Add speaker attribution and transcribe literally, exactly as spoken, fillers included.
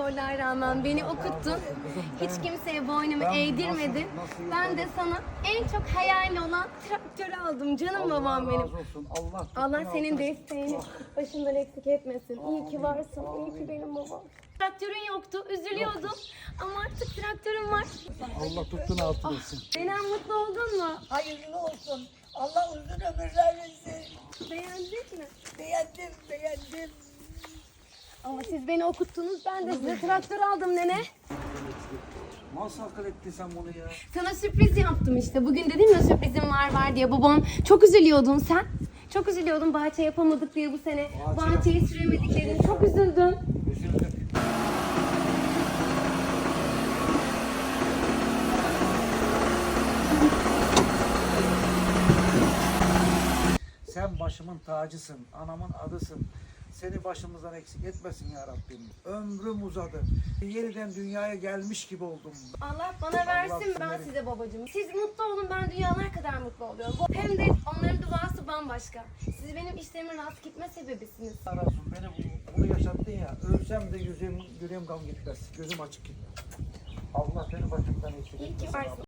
Speaker 1: zorluğa rağmen beni okuttun. Hiç kimseye boynumu eğdirmedin. Ben de sana en çok hayali olan traktörü aldım. Canım babam benim.
Speaker 2: Allah,
Speaker 1: Allah senin desteğini başından eksik etmesin. İyi ki varsın. İyi ki benim babam. Traktörün yoktu. Üzülüyordum. Ama artık traktörüm var.
Speaker 2: Allah tuttuğunu altı versin.
Speaker 1: Nenen mutlu oldun mu?
Speaker 3: Hayırlı olsun. Allah uzun ömürler versin.
Speaker 1: Beğendin mi?
Speaker 3: Beğendim, beğendim.
Speaker 1: Ama siz beni okuttunuz. Ben de size traktör aldım nene.
Speaker 2: Nasıl akıl ettin sen bunu ya?
Speaker 1: Sana sürpriz yaptım işte. Bugün dedim ya sürprizim var var diye. Babam çok üzülüyordun sen. Çok üzülüyordun bahçe yapamadık diye bu sene.
Speaker 2: Bahçe
Speaker 1: Bahçeyi süremediklerini çok üzüldün.
Speaker 2: Üzüldüm. Sen başımın tacısın, anamın adısın. Seni başımızdan eksik etmesin ya Rabbim. Ömrüm uzadı. Yeniden dünyaya gelmiş gibi oldum.
Speaker 1: Allah bana versin ben
Speaker 2: Allah
Speaker 1: size babacığım. Siz mutlu olun ben dünyalar kadar mutlu oluyorum. Hem de onların duası bambaşka. Siz benim işlerimin rast gitme sebebisiniz.
Speaker 2: Allah razı olsun. Beni bu- bunu yaşattın ya. Ölsem de yüzüm, yüreğim gam gitmez. Gözüm açık gitmez. Allah seni başımdan eksik
Speaker 1: İyi
Speaker 2: etmesin.
Speaker 1: ki varsın.